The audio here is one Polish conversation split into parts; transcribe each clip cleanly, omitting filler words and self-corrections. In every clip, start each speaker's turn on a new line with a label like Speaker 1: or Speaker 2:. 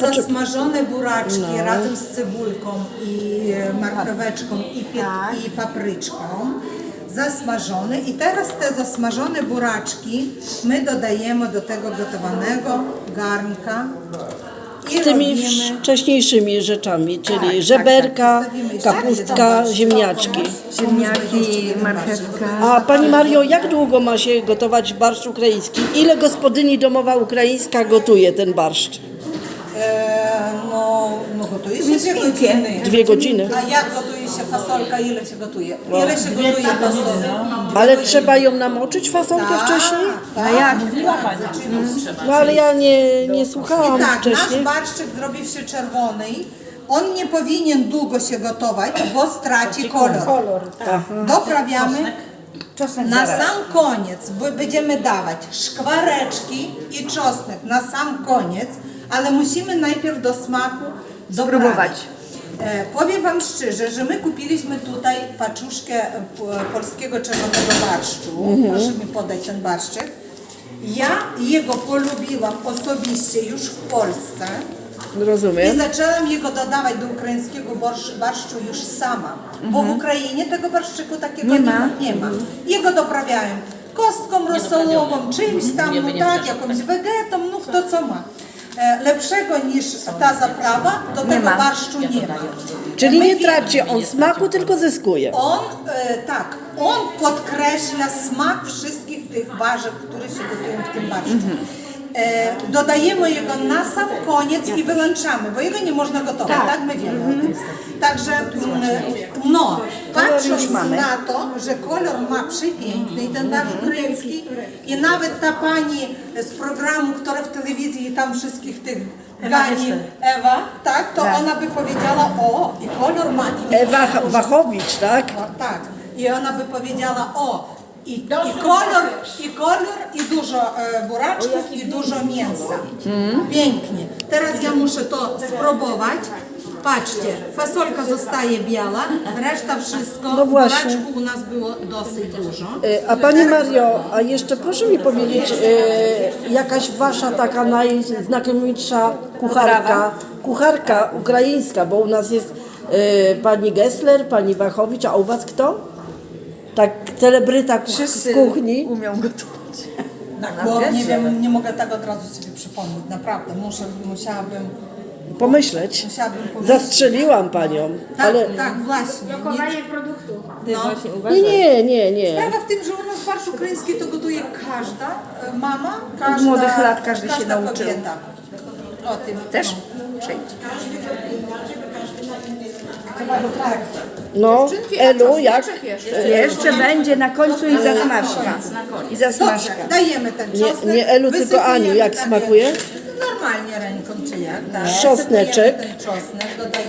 Speaker 1: zasmażone buraczki razem z cebulką i marcheweczką i papryczką. Zasmażone i teraz te zasmażone buraczki my dodajemy do tego gotowanego garnka. I
Speaker 2: Z tymi
Speaker 1: robimy...
Speaker 2: wcześniejszymi rzeczami, czyli żeberka, kapustka, ziemniaczki.
Speaker 3: Ziemniaki, marchewka.
Speaker 2: A Pani Mario, jak długo ma się gotować barszcz ukraiński? Ile gospodyni domowa ukraińska gotuje ten barszcz?
Speaker 1: No gotuje się 2 godziny.
Speaker 2: 2 godziny.
Speaker 1: A jak gotuje się fasolka? Ile się gotuje? Ile się gotuje fasolka?
Speaker 2: Ale trzeba ją namoczyć fasolkę wcześniej?
Speaker 1: A jak?
Speaker 2: No ale ja nie słuchałam
Speaker 1: I tak,
Speaker 2: wcześniej.
Speaker 1: nasz barszczyk zrobił się czerwony. On nie powinien długo się gotować, bo straci kolor. Doprawiamy. Na sam koniec będziemy dawać szkwareczki i czosnek na sam koniec, ale musimy najpierw do smaku
Speaker 3: Spróbować.
Speaker 1: Powiem Wam szczerze, że my kupiliśmy tutaj paczuszkę polskiego czerwonego barszczu. Proszę mi podać ten barszczyk. Ja jego polubiłam osobiście już w Polsce. I
Speaker 2: Rozumiem.
Speaker 1: zaczęłam jego dodawać do ukraińskiego barszczu już sama, bo w Ukrainie tego barszczyku takiego nie ma. Jego doprawiałem kostką rosołową, czymś tam, no tak, jakąś wegetą, no kto co ma. Lepszego niż ta zaprawa do tego barszczu nie ma.
Speaker 2: Czyli
Speaker 1: My
Speaker 2: nie
Speaker 1: wiemy,
Speaker 2: traci on smaku, tylko zyskuje.
Speaker 1: On podkreśla smak wszystkich tych warzyw, które się gotują w tym barszczu. Dodajemy jego na sam koniec i wyłączamy, bo jego nie można gotować, tak? My wiemy o tym. Także, no, patrząc na to, że kolor ma przepiękny ten barszcz ukraiński i nawet ta pani z programu, która w telewizji tam wszystkich tych gani, Ewa, tak, to ona by powiedziała, o, i kolor ma.
Speaker 2: Ewa Wachowicz, tak?
Speaker 1: Tak, i ona by powiedziała, o, i kolor, i dużo buraczków, i dużo mięsa. Pięknie. Teraz ja muszę to spróbować. Patrzcie, fasolka zostaje biała, reszta wszystko,
Speaker 2: No właśnie.
Speaker 1: buraczku u nas było dosyć dużo.
Speaker 2: A Pani Mario, a jeszcze proszę mi powiedzieć, jakaś Wasza taka najznakomitsza kucharka ukraińska, bo u nas jest Pani Gessler, Pani Wachowicz, a u Was kto? Tak celebryta z kuchni.
Speaker 3: Umią gotować.
Speaker 1: Nie wiem, nie mogę tak od razu sobie przypomnieć, naprawdę, musiałabym
Speaker 2: Pomyśleć.
Speaker 1: powiedzieć.
Speaker 2: Zastrzeliłam Panią,
Speaker 1: Tak,
Speaker 2: ale
Speaker 1: tak, właśnie.
Speaker 4: Dokonanie produktu.
Speaker 1: No.
Speaker 2: nie.
Speaker 1: Sprawa w tym, że u nas barszcz ukraiński to gotuje każda mama, każda,
Speaker 3: Od młodych lat każdy się
Speaker 1: każda
Speaker 3: nauczył.
Speaker 1: kobieta. O tym.
Speaker 3: Też?
Speaker 1: No.
Speaker 3: Przejdź.
Speaker 2: no, Elu, jak?
Speaker 3: Jeszcze będzie na końcu i zasmażka. I zasmażka.
Speaker 1: Dobrze, dajemy ten czosnek.
Speaker 2: Nie Elu, tylko
Speaker 1: wysypujemy
Speaker 2: Aniu, jak
Speaker 1: takie-
Speaker 2: smakuje?
Speaker 1: Normalnie ręką czy jak, tak.
Speaker 2: Czosneczek.
Speaker 1: Wysypujemy ten czosnek,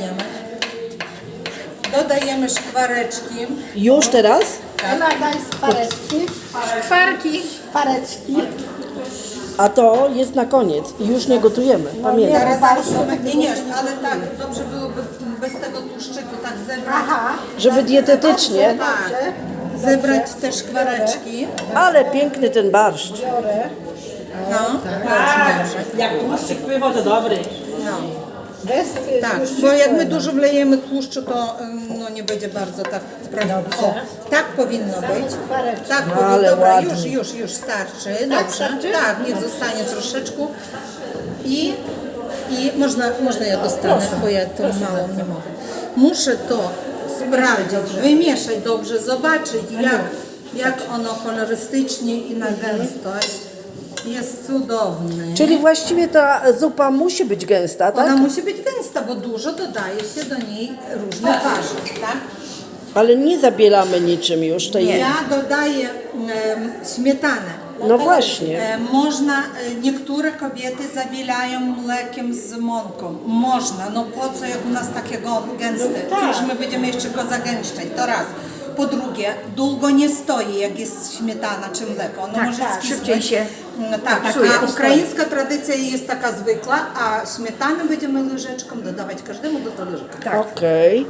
Speaker 1: dodajemy szkwareczki.
Speaker 2: Już teraz?
Speaker 4: Ewa, daj szkwareczki. Szkwareczki.
Speaker 2: A to jest na koniec i już nie gotujemy, pamiętaj.
Speaker 1: Zaraz, nie, ale tak, dobrze byłoby bez tego tłuszczyku tak zebrać.
Speaker 2: Żeby dietetycznie,
Speaker 1: Tak, zebrać te szkwareczki.
Speaker 2: ale piękny ten barszcz.
Speaker 1: No,
Speaker 5: Jak tłuszczyk pływa, to dobry.
Speaker 1: tak, bo jak my dużo wlejemy tłuszczu, to no, nie będzie bardzo tak prawidłowo. O, tak powinno być. Tak powinno.
Speaker 2: Ale
Speaker 1: Dobra,
Speaker 2: ładnie.
Speaker 1: już starczy. Dobrze. Tak, niech zostanie troszeczkę. I można ja dostanę, bo ja to mało nie mogę. Muszę to sprawdzić, wymieszać dobrze, zobaczyć jak ono kolorystycznie i na gęstość. Jest cudowny.
Speaker 2: Czyli właściwie ta zupa musi być gęsta, tak?
Speaker 1: Ona musi być gęsta, bo dużo dodaje się do niej różnych warzyw, tak?
Speaker 2: Ale nie zabielamy niczym już tej.
Speaker 1: Ja dodaję śmietanę.
Speaker 2: No właśnie.
Speaker 1: Można, niektóre kobiety zabielają mlekiem z mąką. Można, no po co jak u nas takie gęste? Cóż, my będziemy jeszcze go zagęszczać, to raz. Po drugie, długo nie stoi, jak jest śmietana czy mleko. Ono może skisnąć.
Speaker 3: Szybciej się
Speaker 1: No tak, a ukraińska tradycja jest taka zwykła, a śmietany będziemy łyżeczką dodawać każdemu do talerzyka.
Speaker 2: Okej.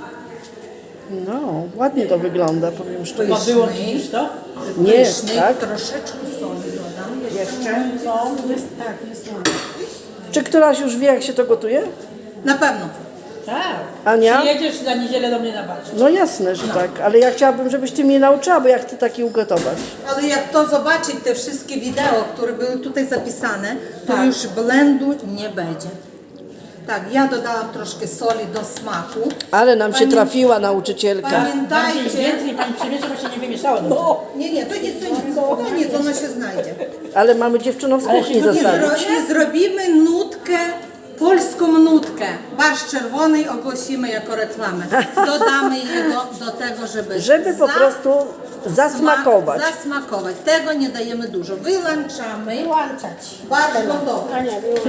Speaker 2: No, ładnie to wygląda, powiem szczerze.
Speaker 5: Ma wyłączyć to?
Speaker 2: Nie,
Speaker 1: Pyszny,
Speaker 2: tak?
Speaker 1: troszeczkę soli dodam.
Speaker 3: jeszcze.
Speaker 4: No, jest tak, jest ładnie.
Speaker 2: Czy któraś już wie, jak się to gotuje?
Speaker 1: Na pewno.
Speaker 5: Tak.
Speaker 2: Ania?
Speaker 5: Przyjedziesz za niedzielę do mnie na barze.
Speaker 2: No jasne, że tak, ale ja chciałabym, żebyś ty mnie nauczyła, bo ja chcę taki ugotować.
Speaker 1: Ale jak to zobaczyć, te wszystkie wideo, które były tutaj zapisane, to już blendu nie będzie. Tak, ja dodałam troszkę soli do smaku.
Speaker 2: Ale nam się
Speaker 1: Pani-
Speaker 2: trafiła nauczycielka.
Speaker 5: Bardziej
Speaker 1: Pamiętajcie,
Speaker 5: więcej pani przymierza, właśnie nie wymieszało.
Speaker 1: nie, to nic, ono się znajdzie.
Speaker 2: Ale mamy dziewczynom z kuchni
Speaker 1: Nie,
Speaker 2: zostawić.
Speaker 1: nie zrobimy nutkę, polską nutkę. Barszcz czerwony ogłosimy jako reklamę. Dodamy jego do tego,
Speaker 2: Żeby po prostu zasmakować.
Speaker 1: Zasmakować. Tego nie dajemy dużo. Wyłączamy.
Speaker 4: Włączać.
Speaker 1: Barszcz gotowy.
Speaker 4: A nie,